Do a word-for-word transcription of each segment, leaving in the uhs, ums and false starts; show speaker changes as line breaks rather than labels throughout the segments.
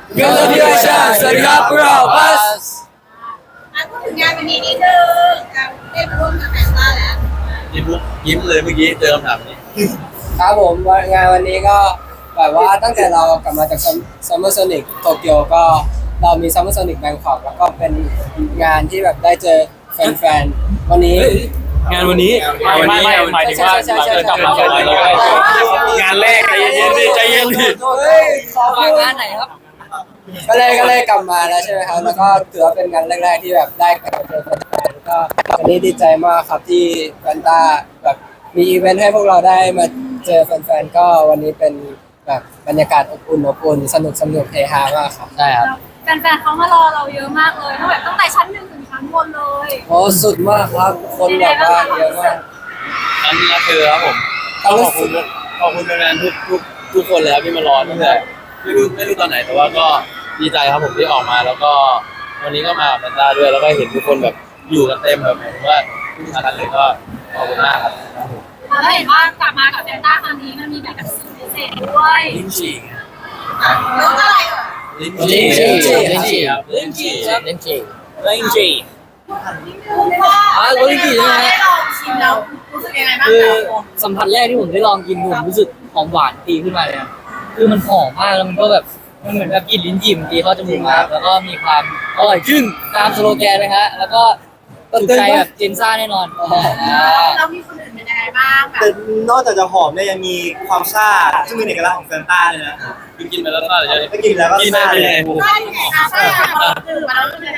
เกิร์ลที่ราชาสวัสดีครับพวกเราบัส
อ่ะพูดถึงงานวันนี้นิดนึงการได้มาร่วมกับแฟนต้าแล้ว
ยิ้มยิ้มเลยเมื่อกี้เจอคำถามนี้
ครับผมงานวันนี้ก็แบบว่าตั้งแต่เรากลับมาจากซัมเมอร์โซนิกโตเกียวก็เรามีซัมเมอร์โซนิกแบงคอกแล้วก็เป็นงานที่แบบได้เจอแฟนๆวันนี้
งานวันนี้
งานวันนี้
หมายถึงว่าเราจะกลับมาเลยงานแรกใจเย็นดิใจเย็นดิ
เฮ้ยขอพูดงานไหนครับก็เลยก็เลยกลับมาแล้วใช่ไหมครับแล้วก็ถือว่าเป็นงานแรกๆที่แบบได้กลับมาเจอแฟนๆก็วันนี้ดีใจมากครับที่แฟนต้าแบบมีอีเวนต์ให้พวกเราได้มาเจอแฟนๆก็วันนี้เป็นแบบบรรยากาศอบอุ่นอบอุ่นสนุกสนุกเฮฮามากครับใช่ครับ
แฟนๆเขามารอเราเยอะมากเลยตั้งแต่ตั้งแต่ชั้นหนึ่งถึงชั้นบนเลย
โอ้สุดมากครับคนแบบว่าเยอะมาก
อันนี้คือครับผมขอบคุณขอบคุณแฟนๆทุกทุกทุกคนเลยครับที่มารอตั้งแต่ไม่รู้ไม่รู้ตอนไหนแต่ว่าก็ดีใจครับผมที่ออกมาแล้วก็วันนี้ก็มาแฟนต้าด้วยแล้วก็เห็นทุกคนแบบอยู่กันเต็มแบบผมว่าทุกท่านเลยก็ขอบคุณมากครับ
แล้วเห็นว่ากลับมากับแฟนต้าครั้งนี้มันมีแบบสุดพิเศษด้วย
ลิ้นจี่
แล้วอะไรอ่ะ
ลิ้นจี่ลิ้นจี่ครับลิ้นจี่
ลิ้นจี่
ลิ้นจี่
อ่าลิ้นจี่ใช่ไหมได้ลองชิมแล้วรู้สึกยังไงบ้างคือ
สัมผัสแรกที่ผมได้ลองกินผมรู้สึกหอมหวานตีขึ้นมาเลยคือมันหอมมากแล้วมันก็แบบมันเหมือนแบบกลิ่นลิ้นจี่มันตีเข้าจมูกมาแล้วก็มีความอร่อยขึ้นตามสโลแกนเลยฮะแล้วก็ถูกใจแบบเจนซ่าแน่นอน
เรามีคนอื่นเป็นยังไงบ้างแบบ
แต่นอกจากจะหอมเนี่ยยังมีความซ่าซึ่งเป็นเอกลักษณ์ของแฟนต้าเลยนะ
กินไปแล้วซ่าเลย
ไปกินแล้วก็
ซ่าเลย
ซ่ายังไงคะซ่าตื่นมาแล้วเป็นยังไง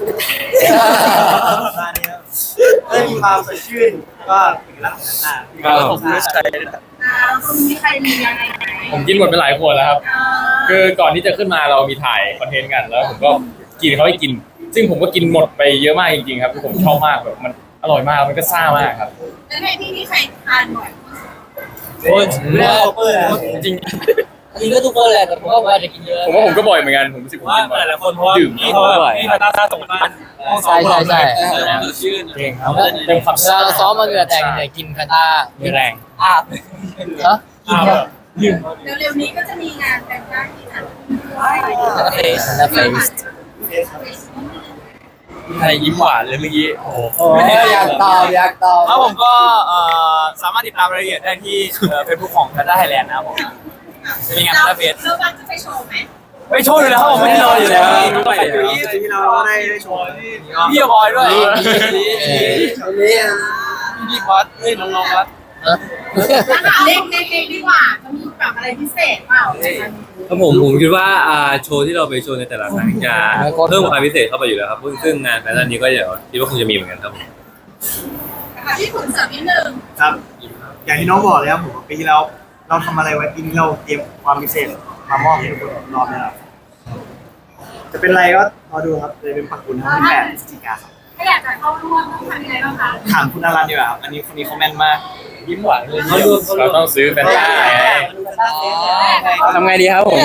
ซ่าเนี่ยก็มีความสดชื่นก็เอกลักษณ์ของแฟนต้า
ครับผมไม่ใช่
อ่าคนนี้ใครมียังไง
ผมกินหมดไปหลายขวดแล้วครับคือก่อนที่จะขึ้นมาเรามีถ่ายคอนเทนต์กันแล้วผมก็กินเขาให้กินซึ่งผมก็กินหมดไปเยอะมากจริงๆครับผมชอบมากแบบมันอร่อยมากมันก็ซ่ามากครับ
แล้วในที่นี้ใครทานบ่อย
โอ้ยไม่ได้เปิดจริง
จริงก็ทุกคนแหละแต่ผมก็ว่าจะกินเยอะ
ผมว่าผมก็บ่อยเหมือนกันผมรู้สึก
ว่าหลายๆคนเพราะว่าดื่มเขาบ่อยที่ตาตาส่งบ้าน
ใช่ใช่ใช่
ชื่น
เก่งครับเป็นความ
ซ่าซ้อมมาเหงื่อแตกเนี่ยกินคาตา
มีแรง
อาบฮะ
ดื่มเร็วๆนี้ก็จะมีงานแต่งงานที่ไหน
เฟสนะเฟส
ใครยิ้มหวานเลยเมื่อกี้โอ้โห
อยากตอบอยากตอบ
ครับผมก็สามารถติดตามรายละเอียดได้ที่เฟซบุ๊กของแพนด้าไทยแลนด์นะครับผมมีงานแพนด้าเฟส
เราจะไปโชว์ไหม
ไปโชว์อยู่แล้วครับผมไม่ได้รออยู่แล้ว
ไปอยู่ที่เราได้โชว์
พี่บอยด้วย
นี่
พี่วัดเฮ้ยน้องๆวัด
เล่นเล่นดีกว่าจะมีแบบอะไรพิเศษเปล่า
ครับผมผมคิดว่าโชว์ที่เราไปโชว์ในแต่ละครั้งจะเพิ่มความพิเศษเข้าไปอยู่แล้วครับซึ่งงานแฟชั่นนี้ก็เดี๋ยวคิดว่าคงจะมีเหมือนกันครับผม
ที่ขุนเสริมนิดนึง
ครับอย่างที่น้องบอกเลยครับผมปีที่แล้วเราทำอะไรไว้ปีนี้เราเตรียมความพิเศษมามอบให้ทุกคนรอบนี้ครับจะเป็นอะไรก็รอดูครับเลยเป็นปักบุญทั้งที่แปดพฤศจิกาครับ
ถ้าอยากจะเข้าร่วมต้องทำยังไงบ้างคะ
ถามคุณอารันดีกว่าครับอันนี้คนนี้เขาแม่นมาก
ยิ้มหวานเลย
เราต้องซื้อแฟนต้าทำไงดีครับผม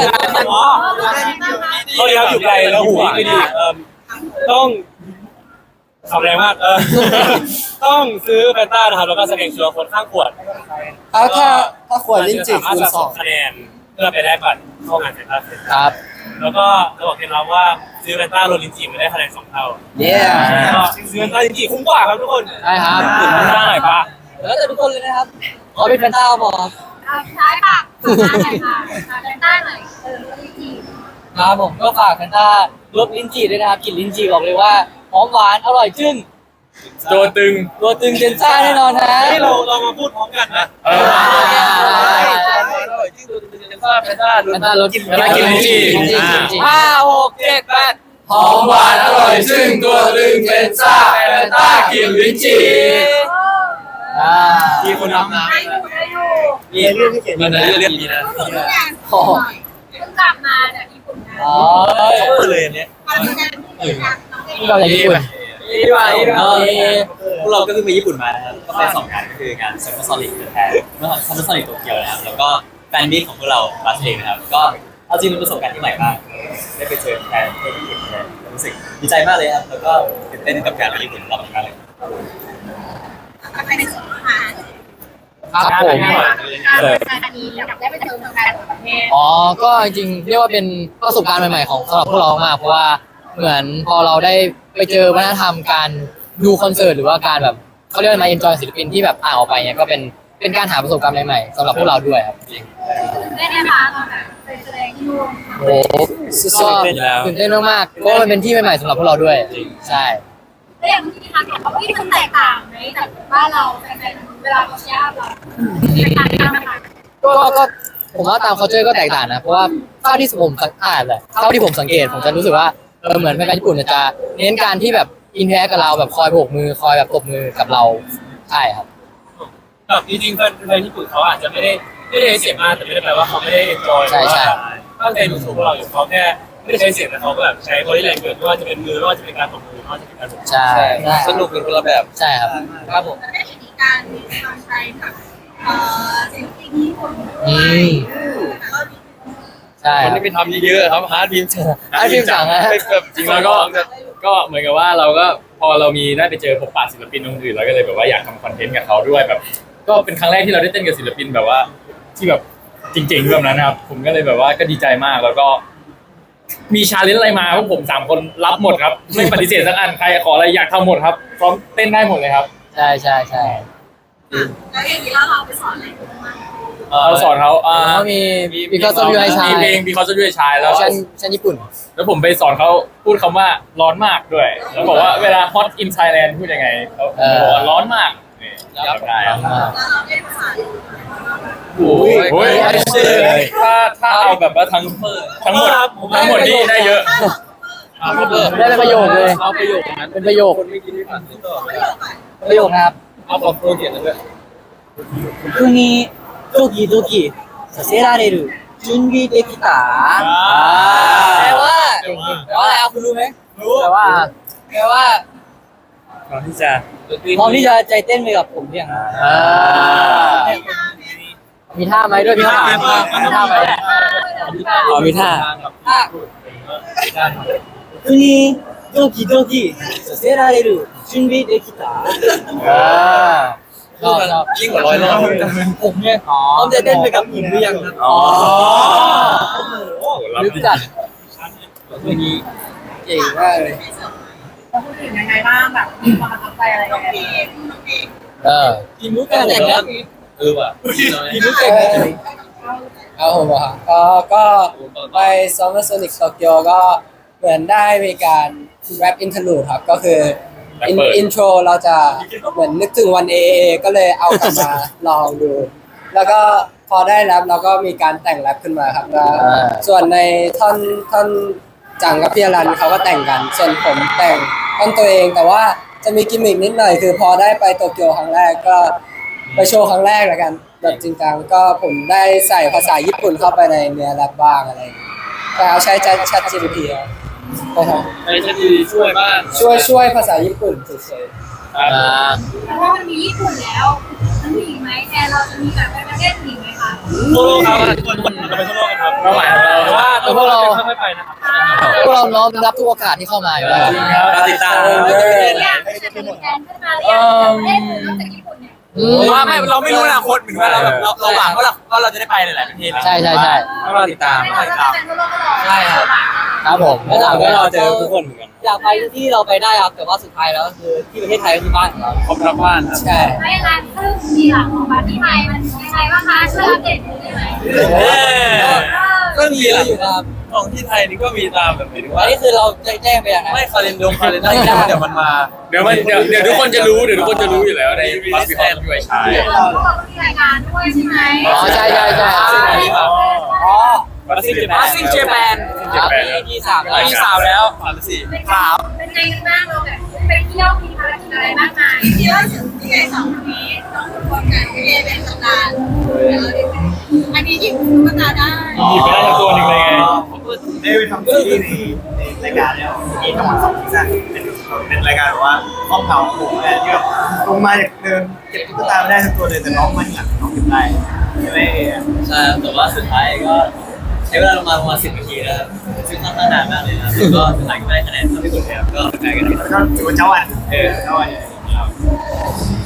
เขาเรียกอยู่ไกลแล้วหูไม่ดีต้องทำแรงมากเออต้องซื้อแฟนต้านะครับแล้วก็แสดงชัวร์คนข้างขวด
เอาถ้าถ้าขวดลิ้นจี่คูณสอง
คะแนนเพื่อไปได้บัตรเข้างานแฟนต้า
ครับ
แล้วก็จะบอกเคล็ดลับว่าซื้อแฟนต้าโรลินจีไม่ได้คะแนนสองเท่า
เนี่ย
ซื้อแฟนต้าลินจีคุ้มกว่าครับทุกคน
ใช่ครับ
ถึงแฟนต้าหน่อยปะ
แล้วแต่ทุกคนเลยนะครับขอเป็นแฟนต้าบอก
ใช่ค่ะฝากหน่อยค่ะแฟนต้าหน่อยเออลิ้นจี่
ครับผมก็ฝากแฟนต้ารสลิ้นจี่ด้วยนะครับกลิ่นลิ้นจี่บอกเลยว่าหอมหวานอร่อยจึ้ง
ตัวตึง
ตัวตึงเจนซ่าแน่นอนฮะ
ที่เราเรามาพูดพร้อมกันนะ
เออ
แฟนต้าแฟนต้ารสกินแฟนต้ากินลิ้นจี่
ห้าหกเจ็ดแปด
หอมหวานอร่อยจึ้งตัวตึงเจนซ่าแฟนต้ากินลิ้นจี่
มีคนทำนะ
มีเรื่องที่เขียน
มันเรื่องนี้นะ
เพิ่งกลับมาจากญี่ปุ่นนะ
อ๋อ
เขาเลยอันนี้
เราจากญี่ปุ่น
ที่ว่าพวกเราก็เพิ่งไปญี่ปุ่นมานะครับก็ไปสองงานก็คืองานซัมเมอร์โซนิกแทนเมื่อซัมเมอร์โซนิกโตเกียวนะครับแล้วก็แฟนมิตของพวกเราบาสเองนะครับก็เอาจริงเป็นประสบการณ์ที่ใหม่มากได้ไปเจอแฟนที่ญี่ปุ่นเลยรู้สึกดีใจมากเลยครับแล้วก็ตื่นเต้นกับการไปญี่ปุ่นรอบนี้มากเลย
ไปในส่วนอาหาร
ครับผม
การอันนี้อยากได้ไปเจอแฟนต่างประเทศ
อ๋อ ก็จริงๆเรียกว่าเป็นประสบการณ์ใหม่ๆของสำหรับพวกเรามากเพราะว่าเหมือนพอเราได้ไปเจอวัฒนธรรมการดูคอนเสิร์ตหรือว่าการแบบเขาเรียกว่ามาเอนจอยศิลปินที่แบบต่างออกไปเนี่ยก็เป็นเป็นการหาประสบการณ์ใหม่ๆสำหรับพวกเราด้วยครับ
ได้ไหมคะตอนแบบไปแสดงที่นู่น
โอ้โหก็ตื่นเต้นมากๆเพราะว่ามันเป็นที่ใหม่ๆสำหรับพวกเราด้วยใช่
แล้วอย่างที่คะบอกว่าที่มันแตกต่างไหมจากบ้านเราแฟนๆเวลาเขาเชียร์เราแตกต่างกันไหมคะ
ก็ก็ผมว่าตาม culture ก็แตกต่างนะเพราะว่าเท่าที่ผมสังอ่านแหละเท่าที่ผมสังเกตผมจะรู้สึกว่าเออเหมือนแฟนๆญี่ปุ่นเนี่ยจะเน้นการที่แบบอินเทอร์แอคกับเราแบบคอยโบกมือคอยแบบตบมือกับเราใช่ครับ
แบบจริงๆแฟนญี่ปุ่นเขาอาจจะไม่ได้ไม่ได้เสียงมากแต่ไม่ได้แปลว่าเขาไม่ได้เอ็นจอย
ใช่ใช่
ตั้งใจดูโชว์พวกเราอยู่เขาแค่ไม่ได้ใช้เสียงแต่เขาก็แบบใช้บอดี้แลงเกิดไม่ว่าจะเป็นมือไม่ว่าจะเป็นการตบมือไม่ว่าจะเป็นการตบ
ใช่
สนุกเป็นคนละแบบ
ใช่ครับ
ครับผม
แล้วได้เห็นอีกการการใช้กับเอ่อศิลปินญี่ปุ่น
อืมใช่ค
มัน
รับ
ไม่ไปทำเยอะๆครับฮาร์ดบีม
ฮาร์ดบีมจังอะ
แบบจริงแล้วก็
ก็เหมือนกับว่าเราก็พอเรามีได้ไปเจอพบปะศิลปินคนอื่นเราก็เลยแบบว่าอยากทำคอนเทนต์กับเขาด้วยแบบ ก็เป็นครั้งแรกที่เราได้เต้นกับศิลปินแบบว่า ที่แบบจริงๆแบบนั้นนะครับผมก็เลยแบบว่าก็ดีใจมากแล้วก็ มีชาเลนจ์อะไรมาพวกผมสามคนรับหมดครับ ไม่ปฏิเสธสักอันใครขออะไรอยากทำหมดครับพร้อมเต้นได้หมดเลยครับ
ใช่ใช่ใช่
แล้วอย่างนี้เราเราไปสอนอะไรกันบ้าง
เราสอนเขาอ่า
แล้วก็มี because of you ให้ชาย
มีเพลง because of you ให้ชายแล้ว
ฉันฉันญี่ปุ่น
แล้วผมไปสอนเขาพูดคำว่าร้อนมากด้วย แล้วบอกว่าเวลา hot in Thailand พูดยังไงเขา
เออ
บอกว่าร้อนมากนี่จำได้ครับ
อ่า
แล้วเราได้ภาษา
โอ้ยโอ้ยถ้าถ้าเอาแบบว่าทั้งทั้งหมดทั้งหมดนี่ได้เยอะ
ได้เป็นประโยคเลย
เอาประโยคนั้น
เป็นประโยค
คนไม่กินไม่ผ่านนี่ก็
ประโยคนะครับ
เอาบอกโปรเขียนด้วย
僕にドキドキさせられる準備できたแปลว่าแปลว่าอะไรเอาคุณรู้ไหมรู้แปลว่าแปลว่า
พร้อมที่จะ
พร้อมที่จะใจเต้นไปกับผมยังอ่ามีท่าไหมด้วยพี่ท่ามีท่าไหม
อ๋อมีท่า
僕にドキドキさせられる準備できたอ่าชอบชอบ
ยิ่งกว่าร้อยรอบ
ผมเนี่ยพร้อมจะเต้นไปกับผมหรือยังครับอ๋อลึกจัดวันนี้เก่งมากเลย
เราพูดถึงยังไงบ้างแบบมีความประทับใจอะไรกันบ้าง
เออกินมุกกันแต่งแล้ว
เออว่ะ
กินมุกแต่งแล้ว
เอาผมอะครับก็ก็ไป Summer Sonic Tokyo ก็เหมือนได้มีการ rap interlude ครับก็คืออินอินโทรเราจะเหมือนนึกถึงวัน เอ เอ ก็เลยเอากลับมาลองดู แล้วก็พอได้แรปเราก็มีการแต่งแรปขึ้นมาครับแล้วส่วนในท่อนท่อนจังกับพี่อรันเขาก็แต่งกัน ส่วนผมแต่งท่อนตัวเองแต่ว่าจะมีกิมมิกนิดหน่อยคือพอได้ไปโตเกียวครั้งแรกก็ไปโชว์ครั้งแรกแล้วกันแบบจริงจังก็ผมได้ใส่ภาษาญี่ปุ่นเข้าไปในเนื้อแรปบ้างอะไรอย่างเงี้ยแต่เอาใช้ Chat จี พี ที ครับนะครับ
ไอ้จะดีช่วยบ้าง
ช่วยช่วยภาษาญี่ปุ่นเฉย
อ่า
แล้วว่ามันมีญี่ปุ่นแล้วมันมีอีกไหมแทนเราจะมีแบบไปประเทศอื่นไหมคะ
ทั่วโลกครับทุกคนทุกคนจะไปทั่วโลกกันครับ
เป้าหมายของเรา
แต่ว่าพวกเราไม่ไปนะครับ
พวกเราน้อมรับทุกโอกาสที่เข้ามาอยู่แล้ว
จริงครับ
ติดตาม
อยากจะมีแทนขึ้นมาหรือยังประเทศอื่นนอกจากญี่ปุ่นเนี่ย
อืม
ว่าไม่เราไม่รู้อนาคตเหมือนว่าเราแบบเราเราหวังว่าเราว่าเราจะได้ไปหลายๆประเทศ
ใช่ใช่ใช่
เราติดตาม
ไม่เราจะเป็นทั่วโลกก็รอ
ใช่ครับ
ครับผม
แล้วถามว่าเราเจอทุกคนเหมือนกัน
อยากไปที่เราไปได้ครับแต่ว่าสุดท้ายแล้วคือที่ประเทศไทยก็คือบ้านของเรา
ครบทั้งบ้านครับ
ๆใช่
ไม่อย่างนั้นซึ่งมีหลังของบัตรที่ไทยมันยังไงบ้างคะช่วยอัปเดตได้ไหม
ก็มี
เย
แล้
อะ
ว
อยู่ครับ
ของที่ไทยนี่ก็มีตามแบบหมายถึง
อั
ว่าน
นี้คือเราแจ้งไปอย่างไร
ไม่คาเลนดงคาเลนดงเดี๋ยวมันมา
เดี๋ยวมันเดี๋ยวเดี๋ยวทุกคนจะรู้เดี๋ยวทุกคนจะรู้อยู่แล้วในบัสบิคอนด้วยชาย
เราก็มีรายการด้วยใช่ไหม
อ๋อใช่ใช่ใช่
อ๋อ
บัสซิ่งเจแปน
บัสซิ่งเจแปน
ครับที่สาม
มีสาวแล้วสามสี่
เป็นข่าวเป็นไงกันบ้างเราแบบไปเที่ยวมีภารกิจอะไรมากมายที่ล่าสุดที่ไงสองคนนี้ต้องทุกคนกันไม่ได้เป็นตำนานอันนี้หยิบตุ๊กตาได้
หยิบไปได้ทั้งตัวหนึ่งเลยไง
ได้ไปทำซีรีส์ในในรายการเนี่ยมีทั้งหมดสองซีซั่นเป็นเป็นรายการแบบว่าห้องเผาของผมเนี่ยที่แบบลงมาจากเดิมเก็บตุ๊กตาไม่ได้ทั้งตัวเลยแต่น้องมันอยากน้องเก็บได้ใช่ไหม
ใช่แต่ว่าสุดท้ายก็ใช้เวลาประมาณประมาณสิบนาทีนะครับซึ่งค่อนข้างนานมากเลยนะแล้วก็สุดท้ายก็ไม่ได้คะแนนเท่าที่ควรครับก็แพ้กัน
แล้วก็ถือว่าเจ้าอันเออเจ้าอัน
ค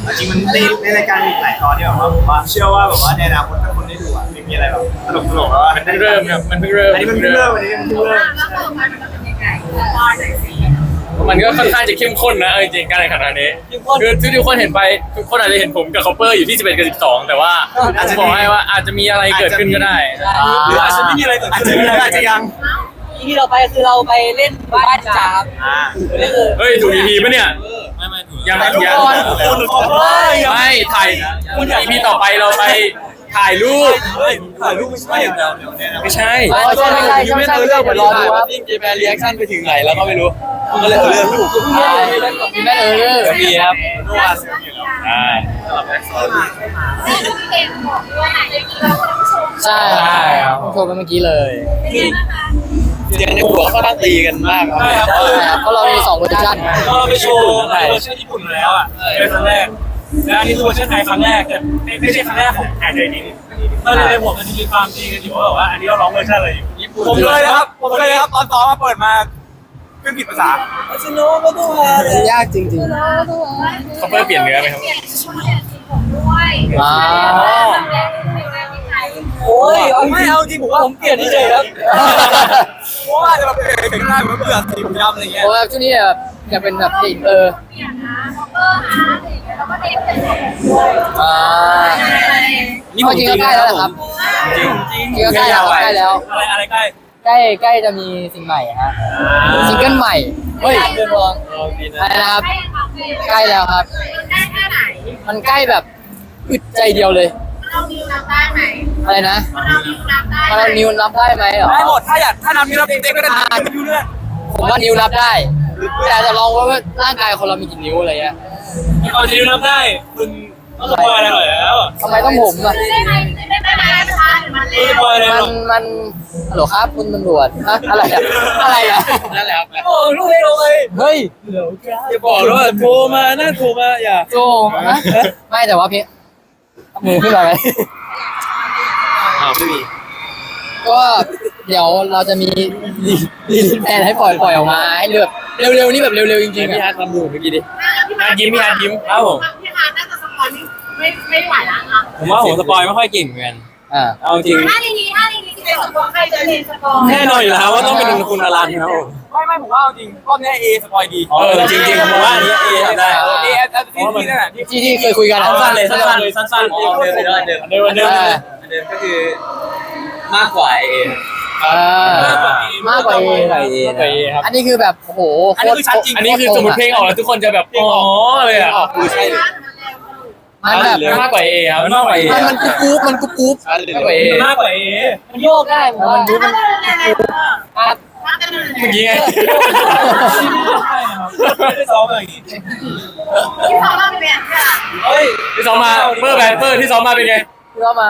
จริงมันในในรายการมีหลายตอนที่แบบว่าผมว่าเชื่อว่าแบบว่าในอนาคตถ้าคนได้ดูอ่ะมันมีอะไรแบบตลกตลกแล้ว
มันเพิ่งเริ่มครับมันเพิ่งเริ่ม
อันนี้มันเพิ่งเริ่มอันนี้มันเพิ่งเริ่ม
แล้วต่อไปมันจะเป็นยังไงรอหน่อยสิ
มันก็ค่อนข้างจะเข้มข้นนะเอาจริงๆการแข่งขันครั้งนี้คือทุกคนเห็นไปทุกคนอาจจะเห็นผมกับคอปเปอร์อยู่ที่สิบเอ็ดกับสิบสองแต่ว่าผมบอกให้ว่าอาจจะมีอะไรเกิดขึ้นก็ได้
หรืออาจจะไม่มีอะไรเกิดขึ้นอาจจะยัง
ที่เราไปคือเราไปเล่นบ้านจ๋า
อ่า
เฮ้ยถูก อี พี ปะเนี่ย
ไม่ไม่ถูก
ยัง
ทุก
ยัง
คนคุณขอโทษ
ไม่ถ่าย อี พี ต่อไปเราไปถ่ายรูป
ถ่ายรูปไม่ใช่อย่างเดียวเนี่ยนะ
ไม่ใช่
ใช่ใช่ใช่ใช่ใช่เรื่องเดี๋ยวรอดูครับ
ยิ่งเจแปนรีแอคชั่นไปถึงไหนแล้วก็ไม่รู้ก็เลยเอาเรื่อง
มีแม่เออ
จะมีครับ
ใช่
ได้ดูพี่เองบอกด้วยนะเมื่อกี้เราคนผู้ชม
ใช่ครับโชว์ไปเมื่อกี้เลย
เป็นยังไงบ้างคะ
เสียงในหัวเขาตั้งตีกันมากครับ
ใช่ครับเพราะเรามีสองเวอร์ชัน
ก็ไปโชว์เวอร์ชันญี่ปุ่นมาแล้วอ่ะเป็นครั้งแรกและอันนี้คือเวอร์ชันไทยครั้งแรกแต่ไม่ใช่ครั้งแรกของแอนเดอร์นิงก็เลยในหัวมันจะมีความจริงกันอยู่ว่าแบบว่าอันนี้เราร้องเวอร์ชันอะไรอยู่ญี่ปุ่น
ผมเลยนะครับผมเลยครับตอนต่อมาเปิดมาขึ้นผิดภาษา
มันยากจริง
คอปเปอร์เปลี่ยนเนื้อไหมครับ
เปลี่ยนชุดเปลี่ยนสีผมด้วย
อ่า
ทำแรงเป็นแรงที่ไทย
โอ้ยไม่เอาจริงผมว่าผมเปลี่ยนเฉยๆครับ
เพราะว่าจะแบบเห็นหน้าเหมือนเปลือกสีดำอะไรเงี้ย
โอ้ยช่วงนี้แบบอยากเป็นแบบอินเตอร์
เปลี่ยนนะคอปเปอร์ฮาร์ดอะไรอย่างเงี้ยแล้วก็เด็กเป็นผมด้วย
อ่า นี่จริงก็ใกล้แล้วแหละครับ
จริงจริง
จริงก็ใกล้แล้วใกล้แล้ว
อะไรอะไรใกล้
ใกล้ใกล้จะมีสิ่งใหม่ฮะซิงเกิลใหม่เฮ้ยเดือนรองอะไรนะครับ ใกล้แล้วครับ
มันใกล้แค่ไหน
มันใกล้แบบอึดใจเดียวเลย
เรานิวนับได้ไหม
อะไรนะ
เรานิวนับได้
มาเรานิวนับได้ไหมเหรอ
ได้หมดถ้าอยากถ้านำนี้เราเต็มๆก็ได้ไม่รู้เรื่อง
ผมว่านิวนับได้ แต่จะลองว่าร่างกายคนเรามีกี่นิ้วอะไรเงี้ย
เอาจริงนับได้คุณต้องสปอยอะไรหน่อยแล้ว
ทำไมต้องผมอ่ะ
ได้ไหมได้ไหมนะคะหรือมันเร็
ส
ว
ปอยอะไรห
มั
น่
น
อย
มันฮัลโหลครับคุณตำรวจฮะอะไรอะอะไรอะ
นั่นแหละครับ
โอ้ลูกไม่ลงเลย
เฮ้ย
อย่าบอกว่าโทรมานะโทรมาอย่า
โจฮะไม่แต่ว่าเพมือขึ้นมาไหม
อ้าวไม่มี
ก็เดี๋ยวเราจะมีรีรีแพนให้ปล่อยปล่อยออกมาให้เลือกเร็วๆนี่แบบเร็วๆจริงๆ
พี่
อะ
ฮาร์ดทำดูเมื่อกี้ดิ
ฮาร์ดยิ้มพี่ฮาร์ดยิ้ม
ครับผม
พี่ฮาร์ดน่าจะสปอยไม่ไม่ไหวแล้วอ่ะ
ผมว่าผมสปอยไม่ค่อยเก่งเหมือนกัน
อ่า
เอาจริง
ถ้าในนี้ถ้าในนี้ที่เป็นสปอยใครจะเรียนสปอย
แน่นอนอยู่แล้วว่าต้องเป็นคุณอลันครับผม
ไม่ไม่ผมว่าจริงรอบนี้เอสปอยดี
เออจริงๆผมว่าอันนี้เอทำได้
เอสที่ที่นั่นแหละที่
ที่ที่เคยคุยกันอะ
สั้นๆเลยสั้นๆเลยสั้นๆ
เดิมเดิมเดิม
เดิมเดิมเดิมก็คือมากกว่าเอ
อ่ามากกว่าเอ
มากกว่าเอ
มากกว่า A ครับ
อันนี้คือแบบโอ้โห
อันนี้คือชัดจริง
อันนี้คือสมมติเพลงออกแล้วทุกคนจะแบบอ๋อเลยอ่ะ
คือใช่เลย
มันแบบ
มากกว่าเอครับ
มันมากกว่าเอ
มันมันกุ๊บกุ๊บมันกุ๊บกุ๊บ
ชัดเลย
มากกว่าเอ
มากกว่าเอ
มันโยกได้ผมว่า
มันยุบมัน
ครับ
เมื่อกี้ไง
ไม่ได้ซ้อมอะไรอย่างงี้
ที่สองเราเป็นแบบค่ะ
เฮ้ย
ที่ซ้อมมาเปอร์แบนเปอร์ที่ซ้อมมาเป็นไง
ที่เรามา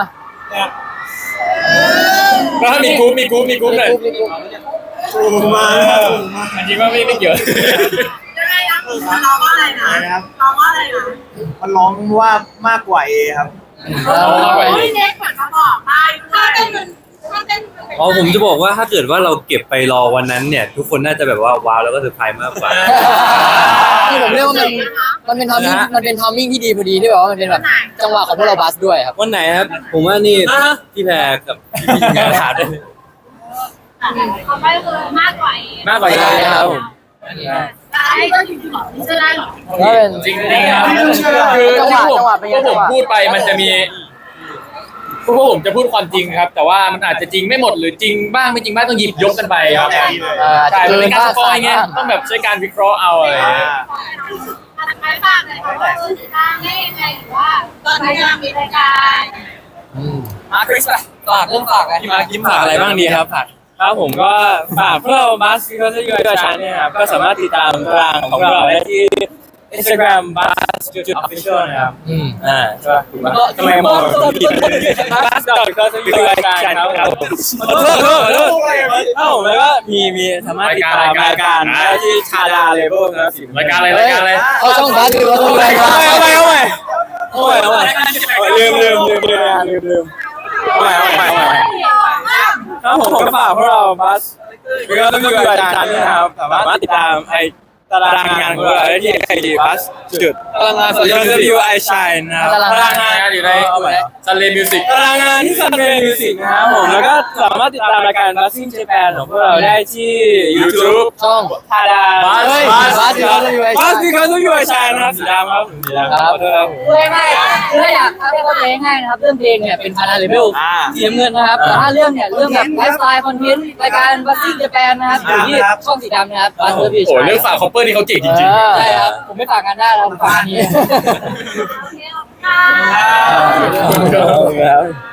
แล้วถ้ามีกรุ๊ปมีกรุ๊ปมีกรุ๊ปหน่อย
กุ๊บกุ๊บ
ถูกมา
อันจริงว่าไม่ไม่เกี่ยว
ยังไงนะมันร้องว่าอะไรนะร้องว่าอะไรนะ
มันร้องว่ามากกว่าเอครับ
มากกว่า A
โอ้ยเน็กเหมือนมาบอกได้ถ้าเต้นมันถ้าเต้นมัน
อ๋อผมจะบอกว่าถ้าเกิดว่าเราเก็บไปรอวันนั้นเนี่ย ทุกคนน่าจะแบบว่าว้าวแล้วก็เซอร์ไพรส์มากกว่า
คือผมเรียกว่ามันมันเป็นทอมมิ่งมันเป็นทอมมิ่งที่ดีพอดีที่แบบว่ามันเป็นแบบจังหวะของพวกเราบัสด้วยครับ
วันไหนครับ ผมว่านี่พี่แพรกับพี่งานขาดได้เลย
เขาไม่คือมากกว่าเอง
มากกว่าเอครับผม
ได้ก็อยู่ที่บอกที่จะได้หรอ
ก็เป็น
จริงจริงครับคือ
จังห
ที่
วะ
ผม
จังหวะเป็นไง
พวกผม
จังหวะ
พูดไปมันจะมีพวกผมจะพูดความจริงครับ แต่ว่ามันอาจจะจริงไม่หมดหรือจริงบ้างไม่จริงบ้างต้องหยิบยกกันไปครับ
เอ่อ
ใช่มันเป็นการสปอยไง
บ้
ต้องแบบใช้การวิเคราะห์เอาอะไรอย่างเงี้ย
ไม่ฝากเลยค่ะว่าเออทางได้ยังไงหรือว่าตอนนี้ยังมีรายการ
อืม
มาคริสอะ
ฝากเรื่องฝากไง
พี่มาร์คยิ้มฝากอะไรบ้างดีครับฝากครับผมก็ฝากพวกเราบัสก็จะอยู่กับชาเนี่ยครับก็สามารถติดตามตารางของเราได้ที่ Instagram บัสจุด official นะครับ
อืม
อ่าใช่ป่ะก็ทำไมมองแบบผิดบัสดอทก็จะอยู่กับชาครับขอโทษขอโทษขอโทษเอ้าแล้วก็มีมีสามารถติดตามรายการได้ที่ชาดาเลเวลนะสิ
รายการอะไรรายการอะไร
เอาช่องบัสคือเราต้องรายการ
เอาไปเอาไปเอาไปเอาไปลืมลืมลืมลืมลืมลืมเอาไปเอาไปเอาไปครับผมก็ฝากพวกเราบัสก็ต้องอยู่กับอาจารย์นี่นะครับสามารถติดตามไอตารางงานของเราได้ที่ไอดีบัสจุดพลังงานโซเชียลมีเดีย
I Shine นะครับ
พลัง
พลัง
งาง
าน นอยู่ในซันเลมิวสิก
พลังงานที่ซันเดย์มิวสิกนะครับผมแล้วก็สามารถติดตามรายการ Buzzing Japan ของพวกเราได้ที่ YouTube
ช่อง
ทาดา
Buzz
เฮ้ย
Buzz
Buzz Because of You I Shine
Buzz Because of You I Shine นะครับสีดำครับสีดำครับขอโทษครับ
เพื่อง่ายๆคือถ้าอยากถ้าเข้าใจง่ายๆนะครับเรื่องเพลงเนี่ยเป็นพาราเลเวล
อ่า
สีน้ำเงินนะครับแต่ถ้าเรื่องเนี่ยเรื่องแบบไลฟ์สไตล์คอนเทนต์รายการบัสซี่เจแปนนะครับอยู่ที่ช่องสีดำนะครับบัสเซอร์บี
โอ้เรื่องฝากคอปเปอร์นี่เขาเก่งจริง
ใช่ครับผมไม่ฝากงานได้แล้วผมฝากอันนี้
โอเคขอบคุณค่ะ
ครับ